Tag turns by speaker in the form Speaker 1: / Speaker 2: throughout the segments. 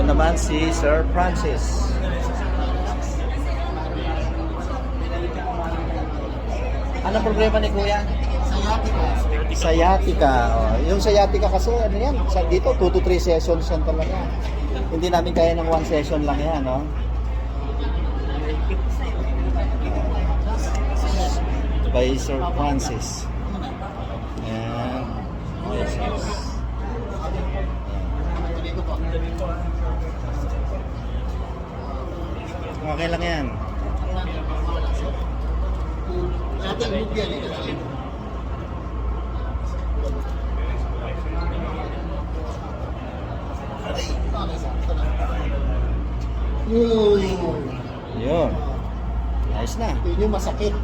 Speaker 1: naman si Sir Francis. Ano problema ni Kuya? Sciatica. Oh, yung sciatica kasi ano yan, dito 2 to 3 sessions yan talaga. Hindi namin kaya ng 1 session lang yan, no? By Sir Francis. Ayan. Okay lang yan. Yun. Ayos na.
Speaker 2: Yun yung masakit.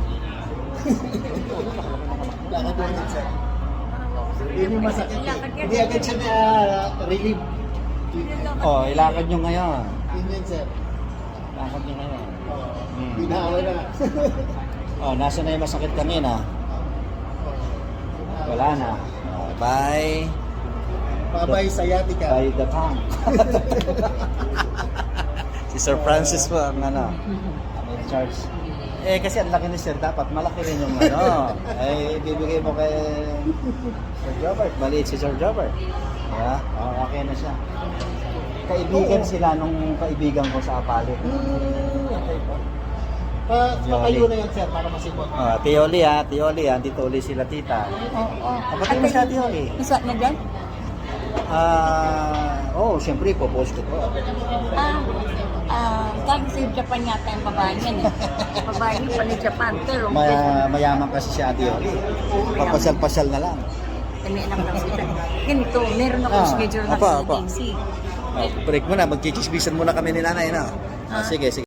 Speaker 2: Lakad mo agad sir. Yun yung masakit. Hindi agad siya na relieve.
Speaker 1: Oh, ilakad nyo ngayon.
Speaker 2: Yun yun sir.
Speaker 1: Ilakad nyo ngayon.
Speaker 2: Pinahaway na.
Speaker 1: Oh, nasa na yung masakit kanina? Wala na. Oh, bye.
Speaker 2: Babay sciatica.
Speaker 1: By the tank. Si Sir Francis po ang ano, in charge. Eh kasi ang laki ni Sir, dapat malaki rin yung ano. Eh bibigay mo kay Sir Jobert. Maliit si Sir Jobert. Yeah, oh, okay na siya. Kaibigan sila nung kaibigan ko sa Apalit.
Speaker 2: Okay po. Patayo na yan sir para masipot.
Speaker 1: Tioli ha, Tioli ha. Dito uli sila tita.
Speaker 3: Oo.
Speaker 1: Kapatid mo siya, Tioli.
Speaker 3: Isa na dyan?
Speaker 1: Siyempre, po-post ko po.
Speaker 3: Galing sa Japan yata yung babae niyan eh. Babae niya pa ni Japan. Pero
Speaker 1: Mayaman kasi siya, Tioli. Papasyal-pasyal na lang.
Speaker 3: kami lang sila. Ganito, meron akong schedule na
Speaker 1: apa.
Speaker 3: meeting.
Speaker 1: Break muna, magchichisbisan muna kami ni nanay na. Sige, sige.